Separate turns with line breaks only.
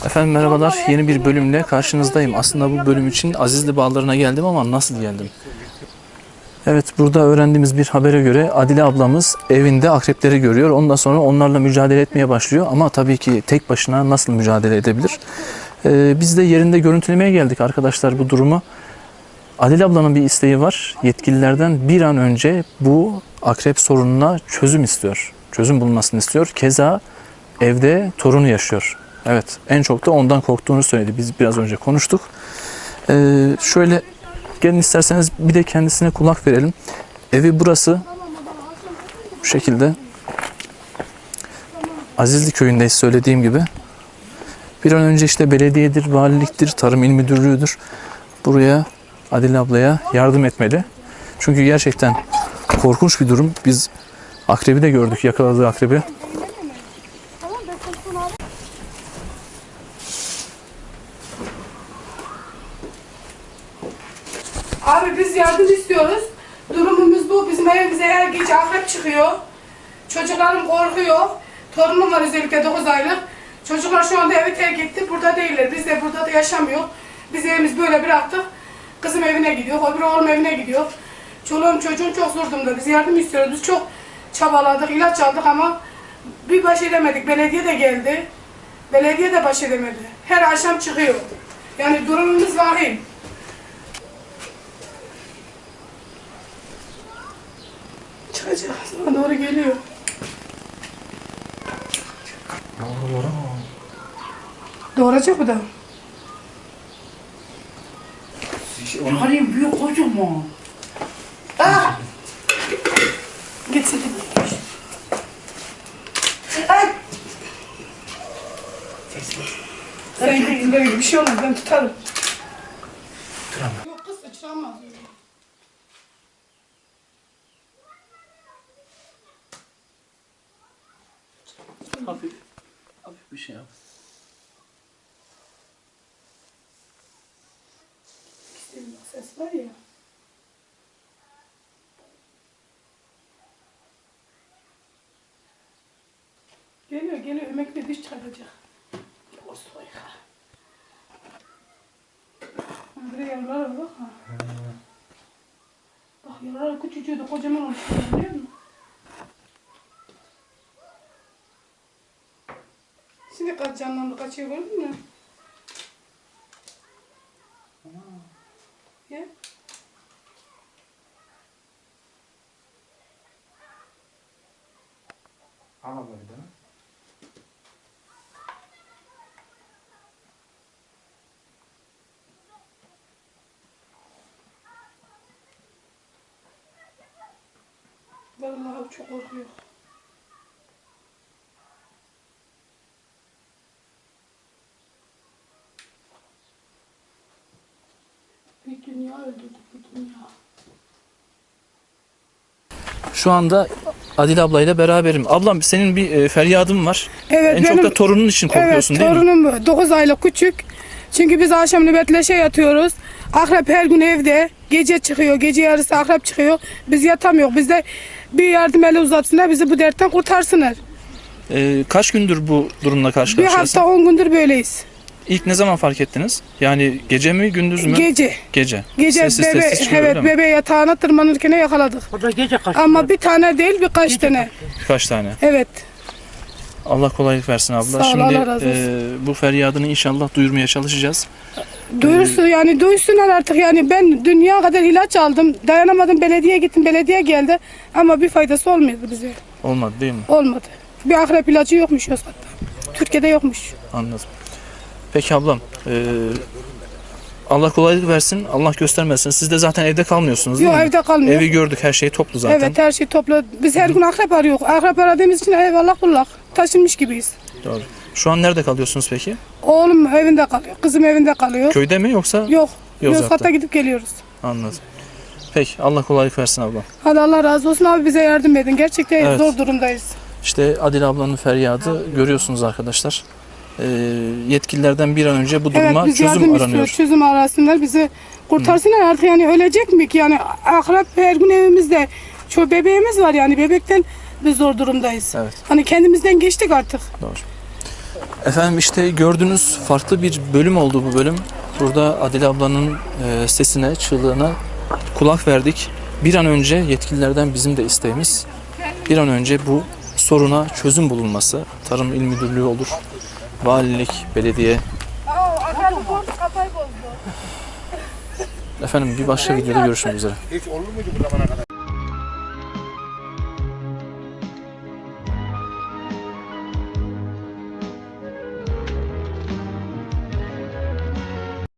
Efendim merhabalar, yeni bir bölümle karşınızdayım. Aslında bu bölüm için Azizli Bağları'na geldim ama nasıl geldim? Evet, burada öğrendiğimiz bir habere göre Adile ablamız evinde akrepleri görüyor. Ondan sonra onlarla mücadele etmeye başlıyor. Ama tabii ki tek başına nasıl mücadele edebilir? Biz de yerinde görüntülemeye geldik arkadaşlar bu durumu. Adile ablanın bir isteği var. Yetkililerden bir an önce bu akrep sorununa çözüm istiyor. Çözüm bulmasını istiyor. Keza evde torunu yaşıyor. Evet, en çok da ondan korktuğunu söyledi. Biz biraz önce konuştuk. Şöyle gelin isterseniz bir de kendisine kulak verelim. Evi burası. Bu şekilde. Azizli köyündeyiz söylediğim gibi. Bir an önce işte belediyedir, valiliktir, Tarım İl Müdürlüğü'dür. Buraya Adile ablaya yardım etmeli. Çünkü gerçekten korkunç bir durum. Biz akrebi de gördük, yakaladığı akrebi.
Abi biz yardım istiyoruz. Durumumuz bu. Bizim evimize her gece akrep çıkıyor. Çocuklarım korkuyor. Torunum var özellikle 9 aylık. Çocuklar şu anda evi terk etti. Burada değiller. Biz de burada da yaşamıyor. Biz evimiz böyle bıraktık. Kızım evine gidiyor. Öbür oğlum evine gidiyor. Çoluğum çocuğum çok zor durumda. Biz yardım istiyoruz. Biz çok çabaladık, ilaç aldık ama bir baş edemedik. Belediye de geldi. Belediye de baş edemedi. Her akşam çıkıyor. Yani durumumuz vahim. Çıkacak. Sana doğru geliyor. Doğuracak bu da.
Halim büyük kocaman.
Ah! Gitsin. Ay! Sen gittin böyle bir şey olmaz. Ben tutarım. Yok kız sıçramaz.
Hafif bir şey yap.
Ses var ya. Geliyor. Emekli diş çıkaracak. O soyka. Buraya yaralar var bak ha. Bak yaralar küçücüğü de kocaman olmuş. Biliyor musun? Şimdi kaç canlandı kaçıyor gördün mü? Ya.
Ama böyle değil mi?
Vallahi çok korkuyor. Bir dünya öldürdük, bir dünya.
Şu anda Adile ablayla beraberim. Ablam senin bir feryadın var.
Evet,
En çok da torunun için korkuyorsun
evet,
değil mi?
torunum 9 aylık küçük. Çünkü biz akşam nöbetleşe yatıyoruz. Akrep her gün evde. Gece çıkıyor, gece yarısı akrep çıkıyor. Biz yatamıyoruz. Biz de bir yardım eli uzatsınlar, bizi bu dertten kurtarsınlar.
Kaç gündür bu durumla karşı
Bir
karşıyasın?
hafta 10 gündür böyleyiz.
İlk ne zaman fark ettiniz? Yani gece mi gündüz mü?
Gece.
Gece.
Gece
Sessiz
bebe,
sessiz çıkıyor, öyle
evet,
mi?
bebe yatağına tırmanırken yakaladık.
O da gece kaçtı.
Ama bir tane değil, birkaç tane.
Birkaç tane.
Evet.
Allah kolaylık versin abla.
Sağ ol,
Şimdi
Allah razı olsun.
bu feryadını inşallah duyurmaya çalışacağız.
Duyursun yani duysunlar artık yani ben dünya kadar ilaç aldım. Dayanamadım belediyeye gittim belediye geldi. Ama bir faydası olmuyordu bize.
Olmadı değil mi?
Olmadı. Bir akrep ilacı yokmuş Yozgat'ta. Türkiye'de yokmuş.
Anladım. Peki ablam. Allah kolaylık versin. Allah göstermesin. Siz de zaten evde kalmıyorsunuz değil
Yok
mi?
evde kalmıyor.
Evi gördük. Her şey toplu zaten.
Evet her şey toplu. Biz her gün akrep arıyoruz. Akrep aradığımız için eyvallah kullak. Taşınmış gibiyiz.
Doğru. Şu an nerede kalıyorsunuz peki?
Oğlum evinde kalıyor. Kızım evinde kalıyor.
Köyde mi yoksa?
Yok.
Yozgat'ta.
Yozgat'ta gidip geliyoruz.
Anladım. Peki Allah kolaylık versin abla.
Hadi Allah razı olsun abi bize yardım edin. Gerçekten
Evet.
zor durumdayız.
İşte Adile ablanın feryadı görüyorsunuz arkadaşlar. Yetkililerden bir an önce bu duruma
Evet biz
çözüm
yardım
aranıyor.
istiyoruz. Çözüm arasınlar. Bizi kurtarsınlar artık yani ölecek mi ki? Yani akrep her gün evimizde. Şu bebeğimiz var yani bebekten biz zor durumdayız.
Evet.
Hani kendimizden geçtik artık.
Doğru. Efendim işte gördüğünüz farklı bir bölüm oldu bu bölüm. Burada Adile ablanın sesine, çığlığına kulak verdik. Bir an önce yetkililerden bizim de isteğimiz bir an önce bu soruna çözüm bulunması. Tarım İl Müdürlüğü olur, valilik, belediye. Efendim bir başka videoda görüşmek üzere.
Hiç olur muydu bu zamana kadar?